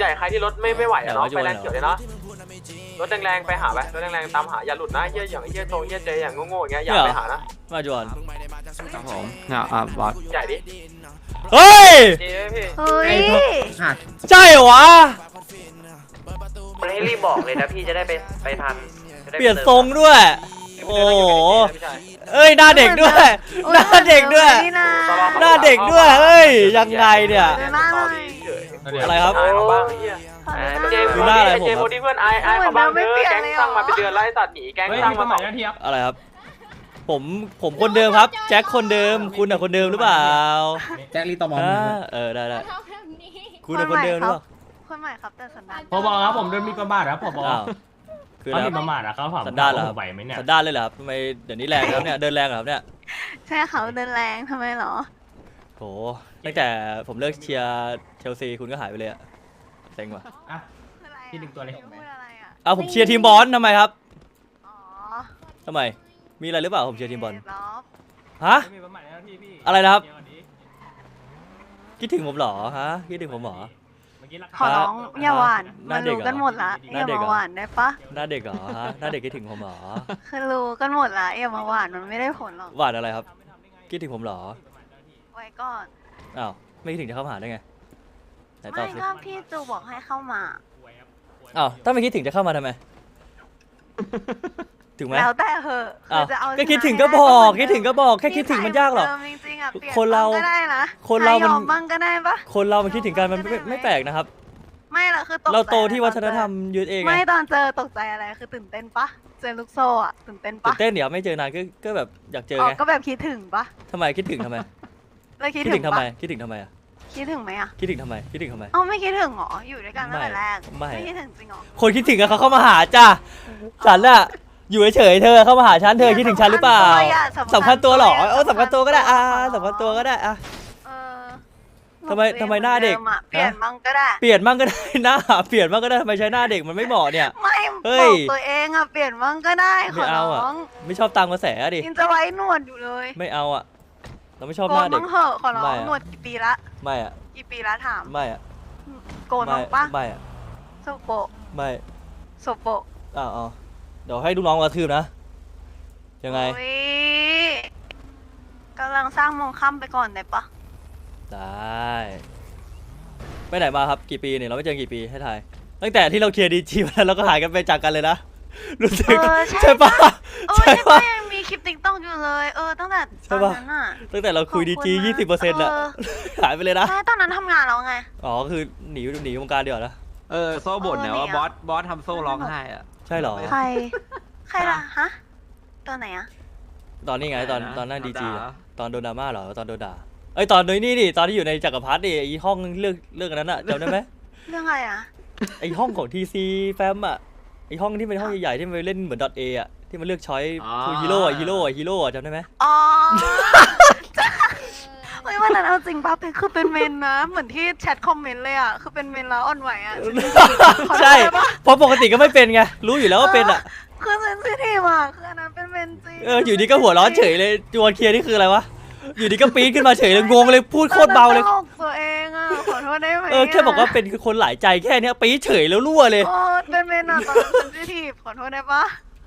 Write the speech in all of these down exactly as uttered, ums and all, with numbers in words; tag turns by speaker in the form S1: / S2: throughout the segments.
S1: ใหญ่ใครที่รถไม่ไม่ไหวอะเนาะไปแรงเขียวเลยเนาะรถแรงๆไปหาไปรถแรงๆตามหาอย่าหลุดนะเฮียอย่างเฮียโจเฮียเจอย่างโง่ๆอย่างเงี้ยอย่าไปหานะ
S2: มาจวน
S3: ครับผมเนี่ยอ่ะบอส
S1: ใหญ่ดิ
S2: เฮ้ย
S4: เฮ้ย
S2: ใช่เหรอวะ
S1: มันให้รีบบอกเลยนะพี่จะได้ไปไปทัน
S2: เปลี่ยนทรงด้วยโอ้โหเอ้ยหน้าเด็กด้วยหน้าเด็กด้วยหน้าเด็กด้วยเฮ้ยยังไงเนี่ยอะไรครับ
S1: ดูหน้าอะไรผมเจมส์ที่เพื่อนไอไอเขาบ้างเด้อแก๊งสร้างมาเป็นเดือนไล่ตัดหนีแก๊งสร้างมาสอง
S2: อะไรครับผมผมคนเดิมครับแจ็คคนเดิมคุณอะคนเดิมหรือเปล่า
S3: แจ็คลีตอมอม
S2: เออได้ได้คุณอะคนเดิมหรือเปล่า
S4: คนใหม่ครับแต่สันดาน
S5: พบครับผมโดนมีประมาทครับพบคือมีประมาทนะครับผม
S2: สันดานเหรอ
S5: ไหวไหมเนี่ย
S2: สันดานเลยเหรอครับทำไมเดี๋ยวนี้แรงครับเนี่ยเดินแรงครับเนี่ย
S4: ใช่เขาเดินแรงทำไมหรอ
S2: โหตั้งแต่ผมเลิกเชียร์เชลซีคุณก็หายไปเลยอะเซ็งว่ะ
S5: อ่ะที่หนึ่งตัวเลย
S2: เอาผมเชียร์ทีมบอลทำไมครับอ๋อทำไมมีอะไรหรือเปล่าผมเชียร์ทีมบอลฮะอะไรนะครับคิดถึงผมหรอฮะคิดถึงผมหรอ
S4: ขอร้องอย่าหวานมันรู้กันหมดละอย่ามาหวานได้ปะ
S2: หน้าเด็กเหรอฮะหน้าเด็กคิดถึงผมหรอ
S4: คือรู้กันหมดละอย่ามาหวานมันไม่ได้ผลหรอก
S2: หวานอะไรครับคิดถึงผมหรอ
S4: ไว้ก่อน
S2: อ้าวไม่คิดถึงจะเข้ามาได้ไง
S4: ไม่ก็พี่จูบอกให้เข้ามา
S2: อ้าวถ้าไม่คิดถึงจะเข้ามาทำไมถึงไหม
S4: แล้วแต่เหอะ
S2: จะเอาก็คิดถึงก็บอกคิดถึงก็บอกแค่คิดถึงมันยากหรอคนเราคนเรามัน
S4: บ้างก็ได้ปะ
S2: คนเรามันคิดถึงกันมันไม่ไม่แปลกนะครับ
S4: ไม่หรอกคือ
S2: เราโตที่วัฒนธรรมยืดเอง
S4: ไม่ตอนเจอตกใจอะไรคือตื่นเต้นปะเจอลูกโซ่อะตื่นเต้นปะ
S2: ตื่นเต้นเดี๋ยวไม่เจอนานก็ก็แบบอยากเจอไง
S4: ก็แบบคิดถึงปะ
S2: ทำไมคิดถึงทำไม
S4: แล้วคิด
S2: ถึงทำไมคิดถึงทำไมอะ
S4: คิดถึงไหมอะ
S2: คิดถึงทำไมคิดถึงทำไม
S4: เอ้าไม่คิดถึงหรออยู่ด้วยกันตั้งแต่แรก
S2: ไม่
S4: คิดถึงจริงหรอ
S2: คนคิดถึงกันเขาเข้ามาหาจ้าฉันอะอยู่เฉยเธอเข้ามาหาฉันเธอคิดถึงฉันหรือเปล่าสำคัญตัวหรอเออสำคัญตัวก็ได้อ่าสำคัญตัวก็ได้อ่ะทำไมทำไมหน้าเด็ก
S4: เปลี่ยนมั่งก็ได้
S2: เปลี่ยนมั่งก็ได้หน้าเปลี่ยนมั่งก็ได้ทำไมใช้หน้าเด็กมันไม่เหมาะเนี่ย
S4: ไม่บอกตัวเองอะเปลี่ยนมั่งก็ได้
S2: ไม่เอาอะไม่ชอบตามกระแสดิ
S4: ยินจะไว้หนวดอยู่เลย
S2: ไม่เอาอะเราไม่ชอบหน้าเด็ก
S4: โกนมั่งเหอะขอร้องหนวดกี่ปีละ
S2: ไม่อะ
S4: กี่ปีละถาม
S2: ไม่อะ
S4: โกนมั่งปะ
S2: ไม่อะ
S4: โซโป
S2: ไม่
S4: โซโป
S2: อ้าวเดี๋ยวให้ลูกน้องกระทืบนะยังไง
S4: กำลังสร้างมองค่ำไปก่อนได้ปะ
S2: ได้ไปไหนมาครับกี่ปีเนี่ยเราไม่เจอกี่ปีให้ทายตั้งแต่ที่เราเคลียร์ดีจีมาแล้วก็หายกันไปจากกันเลยนะรู้สึกใช่ปะ
S4: ใช่ปะยังมีคลิปติ๊กต็อกอยู่เลยเออตั้งแต่ตอนนั้นอะ
S2: ตั้งแต่เราคุยดีจียี่สิบเปอร์เซ็นต์ละหายไปเลยนะ
S4: ใช่ตอนนั้นทำงานแล้วไง
S2: อ๋อคือหนีหนีวงการเดียวนะ
S3: เออโซ่บ่นเนี่ยว่าบอสบอสทำโซ่ร้องไห้อะ
S2: ใช่หรอ
S4: ใครใครล่ะฮะตอนไหนอะ
S2: ตอนนี้ไงตอนตอนนั่งดีจีตอนโดนดราม่าเหรอตอนโดนด่าไอตอนนี้ดิตอนที่อยู่ในจักรพรรดิไอห้องเลือกเลือกนั้นอะจำได้ไหม
S4: เรื่องอะไรอะ
S2: ไอห้องของทีซีแฟมอะไอห้องที่เป็นห้องใหญ่ๆที่มันเล่นเหมือนดอทเออะที่มันเลือกช้อยคือฮีโร่อะฮีโร่อะฮีโร่อะจำได้ไหม
S4: อ๋อเฮ้ยวันนั้นเอาจริงป่ะเป็นคือเป็นเมนนะเหมือนที่แชทคอมเมนต์เลยอะคือเป็นเมนแล้วอ่อนไหวอะ
S2: ใช่เพราะปกติก็ไม่เป็นไงรู้อยู่แล้วว่าเป็นอะ
S4: คือเซนซิทีฟอะคืออันนั้นเป็นเมนจริง
S2: เอออยู่ดีก็หัวร้อนเฉยเลยจวนเคลียร์นี่คืออะไรวะอยู่ดีก็ปี๊ดขึ้นมาเฉยเลยงงเลยพูดโคตรเบาเลย
S4: ตัวเองอ่ะขอโทษได้ไหม
S2: เออแค่บอกว่าเป็นคนหลายใจแค่นี้ปี๊ดเฉยแล้วรั่วเลย
S4: โอ้เป็นเมนอ่ะตอนนั้นเซนซิทีฟขอโทษได้ปะ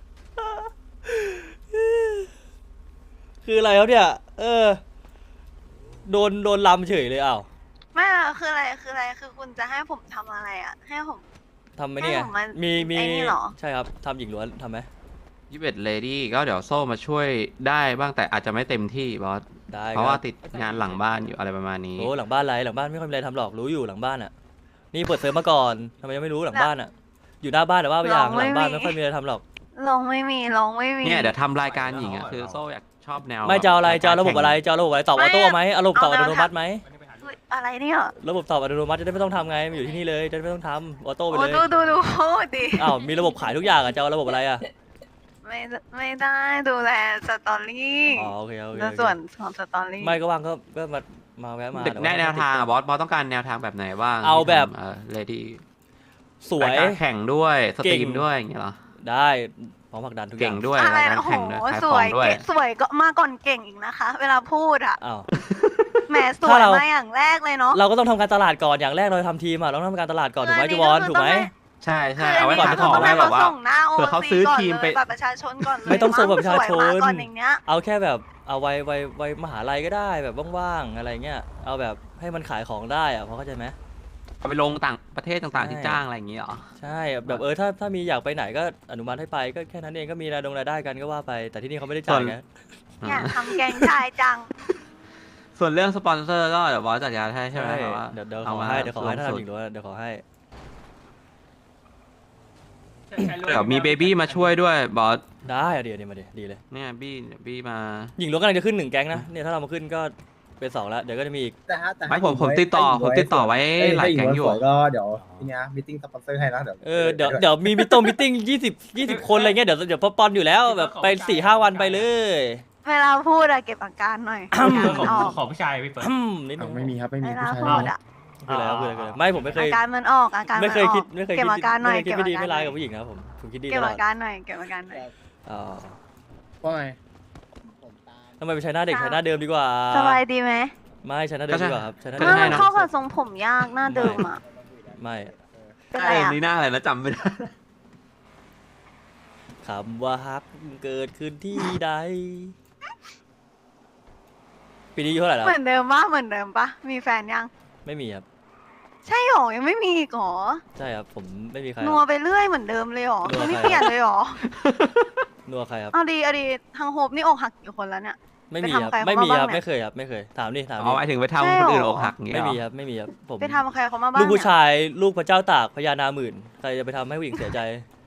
S2: คืออะไรเขาเนี่ยเออโดนโดนลำเฉยเลยอ้าว
S4: ไม่อะคืออะไรคืออะไรคือคุณจะให้ผมทำอะไรอ่ะให้ผม
S2: ทำไหมเนี่ยมีมีใช่ครับทำหญิงล้วนทำไหม
S3: ยี่สิบเอ็ดเลดี้ก็เดี๋ยวโซ่มาช่วยได้บ้างแต่อาจจะไม่เต็มที่บอสเพราะว่าติดงานหลังบ้านอยู่อะไรประมาณนี้
S2: โอ้หลังบ้านไรหลังบ้านไม่ค่อยมีอะไรทำหรอกรู้อยู่หลังบ้านอ่ะนี่เปิดเซิร์ฟมาก่อนทำไมยังไม่รู้หลังบ้านอ่ะอยู่หน้าบ้านแต่ว่าไปอย่างหลังบ้านไม่ค่อยมีอะไรทำหรอก
S4: ลงไม่มีลงไม่มี
S3: เนี่ยเดี๋ยวทำรายการหญิงอ่ะคือโซ่อยากชอบแนว
S2: ไม่จะอะไรจะระบบอะไรจะระบบอะไรตอบออโต้ไหมอารมณ์ตอบอัตโนมัติไหม
S4: อะไรเนี่ย
S2: ระบบตอบอัตโนมัติจะได้ไม่ต้องทำไงมันอยู่ที่นี่เลยจะได้ไม่ต้องทำออโต้ไปเลย
S4: ดูดูดูโอ้ดี
S2: อ้าวมีระบบขายทุกอย่างอ่ะจะระบบอะไรอ่ะ
S4: ไม่ไม่ได้ดูแลสตอรี่
S2: อ๋อโอเคโอเค
S4: ส่วนของสตอรี่
S2: ไม่ก็ว่างก็ก็มามาแวะมา
S3: แนวทางอ่ะบอสบอสต้องการแนวทางแบบไหนบ้าง
S2: เอาแบบ
S3: เลดี้
S2: สวย
S3: แข่งด้วยสตรีมด้วยอย่างเงี้ยเหรอ
S2: ได้พร้อมผลักดันทุกอย่าง
S3: เก่งด้วย
S4: อะไร
S3: การแข่งด้วย
S4: สวยสวยก็มาก่อนเก่งอีกนะคะเวลาพูดอ่ะ
S2: อ้าว
S4: แหมสว
S2: ถ้าย เรา
S4: มาอย่างแรกเลยเนาะ
S2: เราก็ต้องทำการตลาดก่อนอย่างแรกเราทำทีมอ่ะเราต้องทำการตลาดก่อนถูกไหมจูวอนถูกไหม
S3: ใช่ใช่
S4: คือ
S3: เอาไว้
S4: น
S3: ขาย
S4: นี้
S3: ของ
S4: ต้
S3: ไว้
S4: ง
S3: แบบว่า
S4: ส่งหน้า
S3: เผื่อเขาซื้อทีมไป
S4: บัตรประชาชนก่อนเลย
S2: ไม่ต้องส่งบัตรประชาชน
S4: สวยมก่อนอย่างเนี้ย
S2: เอาแค่แบบเอาไว้ไว้ไว้มหาลัยก็ได้แบบว่างๆอะไรเงี้ยเอาแบบให้มันขายของได้อะพอเข้าใจไหม
S3: เอาไปลงต่างประเทศต่างๆที่
S2: ใช่
S3: จ้างอะไรอย่างงี้เหรอ
S2: ใช่แบบเออถ้าถ้ามีอยากไปไหนก็อนุมัติให้ไปก็แค่นั้นเองก็มีรายดงรายได้กันก็ว่าไปแต่ที่นี่เขาไม่ได้จ่ายไง
S4: อยากทำแกงชายจัง
S3: ส่วนเรื่องสปอนเซอร์ก็เดี๋ยวบอสจัดการให้ใช่ไหม
S2: ใช่
S3: แบบว่า
S2: เดี๋ยวเดี๋ยวข
S3: เอา
S2: อ
S3: มา
S2: ให้เดี๋ยวขอให้ถ้า
S3: สุ
S2: ทำ
S3: ด
S2: อีกด้วยเดี๋ยวขอให้
S3: ๆเดี๋ยวมีเบบี้มาช่วยด้วยบอส
S2: ได้อะเดี๋ยวเดี๋ยวมาเดี๋ยวดีเลย
S3: เนี่ยบี้เดี๋ยวบี้มา
S2: หญิงล้วนกำลังจะขึ้นหนึ่งแก๊งนะเนี่ยถ้าเรามาขึ้นก็เป็นสองแล้วเดี๋ยวก็จะมีอีก
S6: แต่ฮะแต่
S3: ไม่ผมผมติดต่อผมติดต่อไว้หลายแก๊งอยู่
S6: สวยก็เดี๋ยวทีเนี้ยมิทติ้งสปอนเซอร์ให้นะเดี๋ยว
S2: เออเดี๋ยวเดี๋ยวมีมิตตงมิตติ้งยี่สิบยี่สิบคนอะไรเงี้ยเดี๋ยวเดี๋ยวพอปอนอยู่แล้วแบบไปสี่ห้าวันไปเลย
S4: เวลาพูดอะเก็บอาการหน่อย
S5: ของ
S4: ออก
S5: ของผู้ชายพี่เปิด
S2: อืมนิดนึ
S6: อ้าง วไม่มีครับไม่มี
S4: เว
S6: ผู้
S4: ลา
S6: ชาย
S4: พูดอะ
S2: คืออะไรครับคืออะไรคืออะไรไม่ผมไม่เค
S4: อาย การมันออกอาการ
S2: ไม่
S4: มัน
S2: เคย
S4: ออ
S2: คิด
S4: ก
S2: ไม่เคย
S4: เก็บ
S2: คิด
S4: อาการหน่อย
S2: ไม่เคยคิดไม่ดี
S4: เก็บ
S2: ไม่
S4: อา
S2: ร้า
S4: การ
S2: ยกับผู้หญิงนะครับผมผมคิดดี
S4: เก็
S2: ต
S4: บ
S2: ลอ
S4: อา
S2: ด
S4: การหน่อยเก็บอาการหน่อย
S2: อ๋อ
S6: ว่าไง
S2: ทำไมไปใช้หน้าเด็กใช้หน้าเดิมดีกว่า
S4: สบายดีไหม
S2: ไม่ใช้หน้าเดิมดีกว่าครับใช้หน้า
S3: ก็
S2: เดิม
S3: ใช่
S4: มันเข้ากับทรงผมยากหน้าเดิมอะ
S2: ไม่
S4: เป็น
S3: เอ
S4: ไร
S3: อ
S4: อะ
S3: นี่หน้าอะไรนะจำไม่ได้
S2: คำว่าฮักเกิดขึ้นที่ใดปีนี้อายุเท่าไหร่แล้ว
S4: เหมือนเดิมปะเหมือนเดิมปะมีแฟนยัง
S2: ไม่มีครับ
S4: ใช่หรอยังไม่มีอีกหรอ
S2: ใช่ครับผมไม่มีใคร
S4: นัวไปเรื่อยเหมือนเดิมเลยหรอ
S2: นัว
S4: คือไม่
S2: ใคร
S4: เปลี่ยนเลยหรอ
S2: นัวใครครับ
S4: เอาดีเอาดีทางโฮปนี่อกหักกี่คนแล้วเนี่ย
S2: ไม่มีครับ
S4: ไปทำใครเขา
S2: ไม่มี
S4: มา
S2: ครับ
S4: บ้างเนี่ย
S2: ไม่เคยครับไม่เคยถามดิถาม
S3: เอา
S2: ดิ
S3: ไว้ถึงไป
S4: ใช่
S3: ทำคนอื่น
S4: หรอ
S3: อกหักอย่างเงี้ย
S2: ไม่
S3: เหร
S2: มี
S3: อ
S2: ครับไม่มีครับผม
S4: ไปทำใครเขามาบ้าง
S2: ลูกผู้
S4: เนี่ย
S2: ชายลูกพระเจ้าตากพญานาหมื่นใครจะไปทำให้ผู้หญิงเสียใจ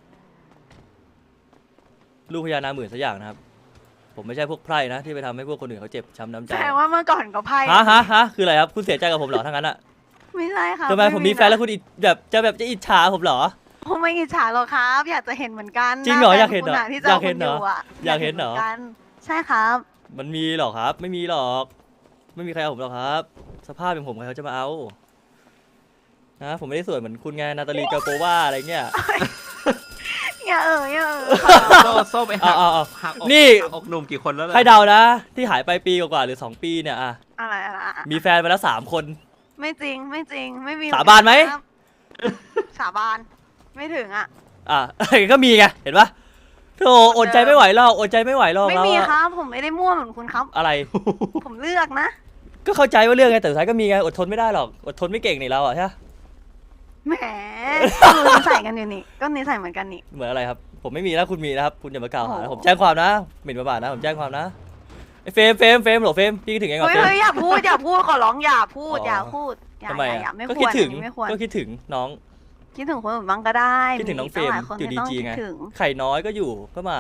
S2: ลูกพญานาหมื่นสักอย่างนะครับ ผมไม่ใช่พวกไพร่นะที่ไปทำให้พวกคนอื่นเขาเจ็บช้ำน้ำใจ
S4: แสดงว่าเมื่อก่อนก็ไพ่
S2: ฮะฮะฮะคืออะไรครับคุณเสียใจกับผมเหรอทั้งนั้นอะ
S4: ไม่ใช่ค่ะ
S2: ทำไมผมมีแฟนแล้วคุณอิจแบบจะแบบจะอิจฉาผมเหรอ
S4: ผมไม่อิจฉาหรอกครับ อยากจะเห็นเหมือนกัน
S2: จริงเหรอ
S4: น้
S2: อยากเห็นเหรอ
S4: แฟคุณที่
S2: อยากเห็นเหรอ
S4: จ้คุณยู่ะ
S2: อยากเห็นเหรอ
S4: มืกัใช่ครับ
S2: มันมีหรอครับ ไม่มีหรอก ไม่มีใครเอาผมหรอกครับ สภาพอย่างผมใครเขาจะมาเอานะผมไม่ได้สวยเหมือนคุณไงนาตาลีกาโปวาอะไรเงี้ย
S4: อย่าเอออย่าเออ
S3: โซ่โซ่ไปหั
S2: เอา
S3: ก
S2: เอาเอา
S3: หักอก
S2: นี่
S3: หักอกหนุ่มกี่คนแล้วล่ะ
S2: ใครเดานะ ที่หายไปปีกว่าๆหรือสองปีเนี่ยอะ
S4: อะไรอะไรอะ
S2: มีแฟนไปแล้วสามคน
S4: ไม่จริงไม่จริงไม่มี
S2: สาบานไหม
S4: ครับสาบานไม่ถึงอ่ะ
S2: อ่ะ ก็มีไงเห็นปะโธ่อดใจไม่ไหวหรอกอดใจไม่ไหวหรอก
S4: ไม่
S2: แล้ว
S4: มี
S2: อะ
S4: ครับ ผมไม่ได้มั่วเหมือนคุณครับ
S2: อะไร
S4: ผมเลือกนะ
S2: ก็เข้าใจว่าเรื่องไงแต่สุดท้ายก็มีไงอดทนไม่ได้หรอกอดทนไม่เก่งนี่เราอ่ะใช่ปะ
S4: แหมคือนิสัยกันอยู่นี่ก็นิสัยเหมือนกันนี่
S2: เหมือนอะไรครับ ผมไม่มีนะคุณมีนะครับคุณอย่ามากล่าวหานะ
S4: โอ้โห
S2: ผมแจ้งความนะหมิ่นประมาทนะผมแจ้งความนะไอ้เฟรมเฟรมเฟรมเหรอเฟรมพี่คิดถึงไงก่อน
S4: เฮ้ย
S2: เฟรม
S4: เฮ้ยอย่าพูดอย่าพูดขอร้องอย่าพูด
S2: อ๋อ
S4: อ
S2: อ
S4: ย่าพูดอย่า
S2: ทำไม
S4: อย่า
S2: อ่ะ
S4: อย่าไม่
S2: ก็
S4: คว
S2: คิด
S4: ร
S2: ถึง
S4: อันนี้ไม่ควร
S2: ก็คิดถึงน้อง
S4: คิดถึงคนอื่นบ้างก็ได้
S2: คิดถึงน้องเฟรม
S4: ตั้หลายคน
S2: อยู่ดี
S4: ที่ต้อง
S2: จี
S4: คิด
S2: ไง
S4: ถึง
S2: ไข่น้อยก็อยู่ก็มา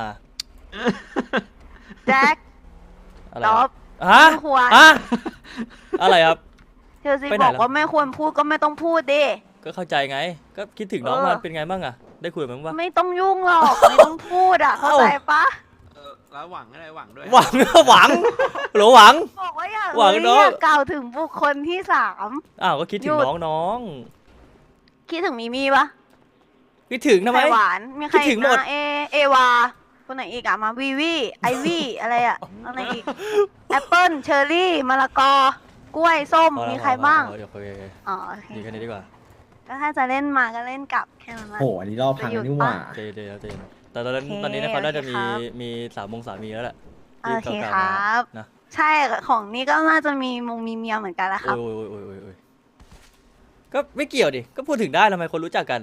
S4: แจ็ค
S2: อะไร
S4: ต๊
S2: ค
S4: อ
S2: รั
S4: บบ
S2: ฮะ
S4: ไม่ควร
S2: ฮะอะไรครับ
S4: เธอสิ
S2: ไปไหน
S4: บอก
S2: ล่ะ
S4: ว่าไม่ควรพูดก็ไม่ต้องพูดดิ
S2: ก็เข้าใจไง ก็คิดถึงน้อง
S4: เออ
S2: มันเป็นไงบ้างอะได้คุยกับมันบ้างปะ
S4: ไม่ต้องยุ่งหรอกไม่ต้องพูดอ่ะเข้า
S2: เอ้า
S4: ใจปะ
S3: เออแล้วหวังอะไรหวังด้วย
S2: หวัง หวังหรือหวัง
S4: บอกว่าอย่า
S2: หวัง
S4: เอ้ย
S2: เนอะ
S4: อย่ากล่าวถึงบุคคลที่สาม
S2: อ้าวก็คิดถึ
S4: ห
S2: ง
S4: ยุด
S2: น้องน้อง
S4: คิดถึงมีมีปะ
S2: คิดถึงทำไม
S4: ไข่หวานมีใคร
S2: คิดถึ
S4: อี
S2: ง
S4: ก
S2: หมด
S4: นะเอเอวาคนไหนอีกอะมาวีวีไอวีอะไรอะอะไรอีกแอปเปิ้ลเชอร์รี่มะละกอกล้วยส้ม
S2: พอแล้ว
S4: มีใครบ้าง
S2: พอแล้วเดี๋ยวโอเค
S4: อ๋อโอเค
S2: ดีแค่นี้ดีกว่า
S4: ก็ถ้าจะเล่นมาก็เล่นกลับแค่นั้นแหละ
S6: โอ้โหอันนี้รอบพังนี่หว่า
S2: เจเจเจแต่ตอนนั้น
S4: โอเค
S2: ตอนนี้นะเขาน่าจะมี
S4: โอเคครับ
S2: มีสามมงสามีแล้วแหละ
S4: โอเค
S2: ที่
S4: ค
S2: ก่า
S4: รั
S2: ๆ
S4: บ
S2: มานะ
S4: ใช่ของนี้ก็น่าจะมีมงมีเมียเหมือนกันแหละครับ
S2: โอ้ยโอ้ยโอ้ยโอ้ยโอ้ยก็ไม่เกี่ยวดิก็พูดถึงได้ทำไมคนรู้จักกัน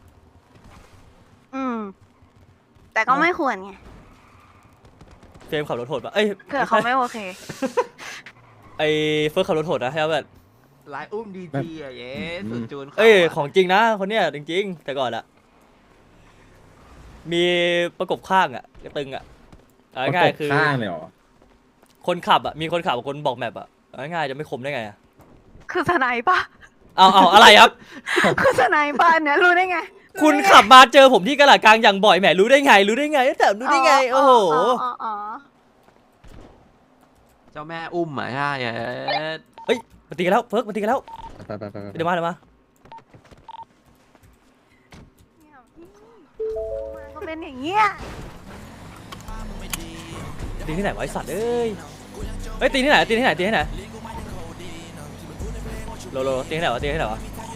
S4: อืม แต่ก็ไม่ควรไง
S2: เฟรมขับรถโหดปะเอ้ย
S4: เผื่อเขาไม่โอเค
S2: ไอ้เฟิร์สขับรถโหดนะใช่ไหมแบบ
S3: ลายอุ้มดีจีอะเย้สุดจูน
S2: เอ้ยของจริงนะคนเนี้ยจริงๆ แต่ก่อนอะมีประกบข้างอะกระตึงอะเอาง่ายๆคือ
S6: ข้างเลยเหรอ
S2: คนขับอะมีคนขับกับคนบอกแมปอะเอาง่ายๆจะไม่คมได้ไงอะ
S4: คือสไนป์ปะ
S2: เอาเอาอะไรครับ
S4: คือสไนป์ปะเนี่ยรู้ได้ไง
S2: คุณขับมาเจอผมที่กระหล่ำกลางอย่างบ่อยแหมรู้ได้ไง รู้ได้ไงแต่รู้ได้ไงโอ้โห
S4: อ๋ออ๋อ
S3: เจ้าแม่อุ้มอ่ะใช่เย้
S2: เฮ้ยมาตีกันแล้วเฟิร์กมาตีกันแล้ว
S6: ไปไปไปไป
S2: เดี๋ยวมาเดี๋ยวมา
S4: ก็เป็นอย่างเงี้ย
S2: ตีที่ไหนวะไอสัตว์เอ้ยเฮ้ยตีที่ไหนตีที่ไหนตีที่ไหนโลโลตีให้ไหนวะตีให้ไหนวะ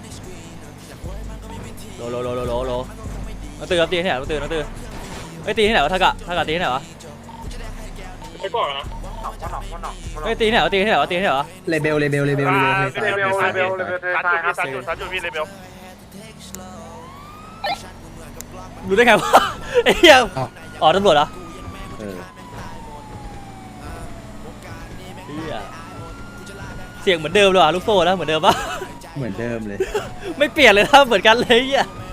S2: โลโลโลโลโลโลน้องตื่นครับตีให้ไหนน้องตื่นน้องตื่นไอ้ตีให้ไหนวะทากะทากะตีให้ไหนวะ
S1: ไม่บอกนะหนอกหนอกหนอก
S2: ไอ้ตีให้ไหนวะตีให้ไหนวะตีให้ไหนวะ
S6: เลเบลเลเบลเลเบลเลเบล
S1: เลเบลเลเบลเลเบลซัดจุดซัดจุดซัดจุดพี่เลเบล
S2: รู้ได้ไงวะไอ้เหี้ยอ๋อตำรวจเหรอ
S6: เออ
S2: เหี้ยเสียงเหมือนเดิมเลยว่ะลูกโซ่นะเหมือนเดิมปะ
S6: เหมือนเดิมเลย
S2: ไม่เปลี่ยนเลยนะเหมือนกันเลยเหี้ย